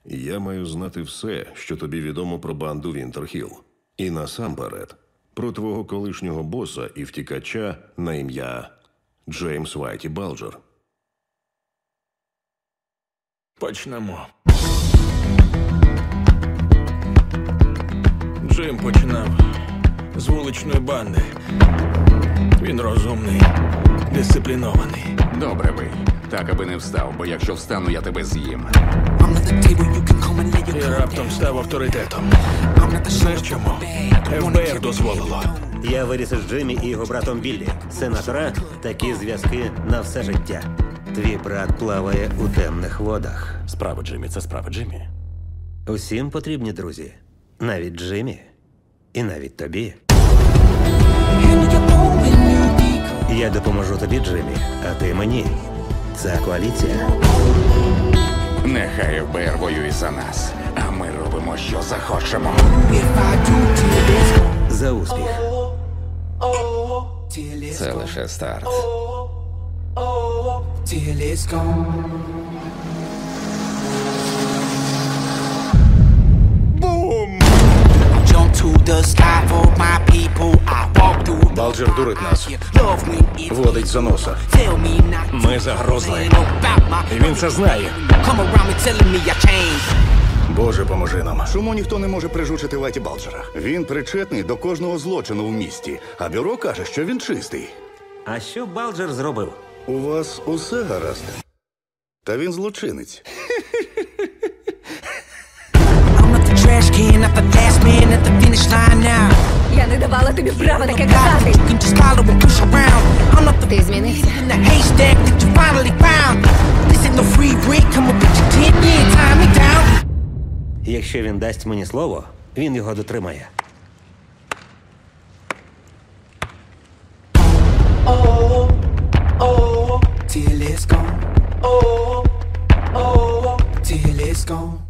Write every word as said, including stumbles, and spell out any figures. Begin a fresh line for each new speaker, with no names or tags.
Я маю знати все, що тобі відомо про банду Вінтерхілл. І насамперед, про твого колишнього боса і втікача на ім'я Джеймс Вайті Балджер.
Почнемо. Джим починав з вуличної банди. Він розумний, дисциплінований.
Добре ви. Так, аби не встав, бо якщо встану, я тебе з'їм.
І раптом став авторитетом. Знаєш чому? еф бе ер дозволило.
Я виріс із Джиммі і його братом Біллі. Сенатора – такі зв'язки на все життя. Твій брат плаває у темних водах.
Справа Джиммі – це справа Джиммі.
Усім потрібні друзі. Навіть Джиммі. І навіть тобі. Я допоможу тобі, Джиммі, а ти мені. Це коаліція.
Нехай еф бе ер воює за нас, а ми робимо, що захочемо.
За успіх.
Це лише старт.
Балджер дурить нас. Водить за носа.
Ми загрозли. І він це знає.
Боже, поможи нам. Чому ніхто не може прижучити Вайті Балджера? Він причетний до кожного злочину в місті, а бюро каже, що він чистий.
А що Балджер зробив?
У вас усе гаразд. Та він злочинець.
Я не давала тобі права таке казати. Ти змінився.
Якщо він дасть мені слово, він його дотримає.
Till it's gone. Oh, oh, till it's gone.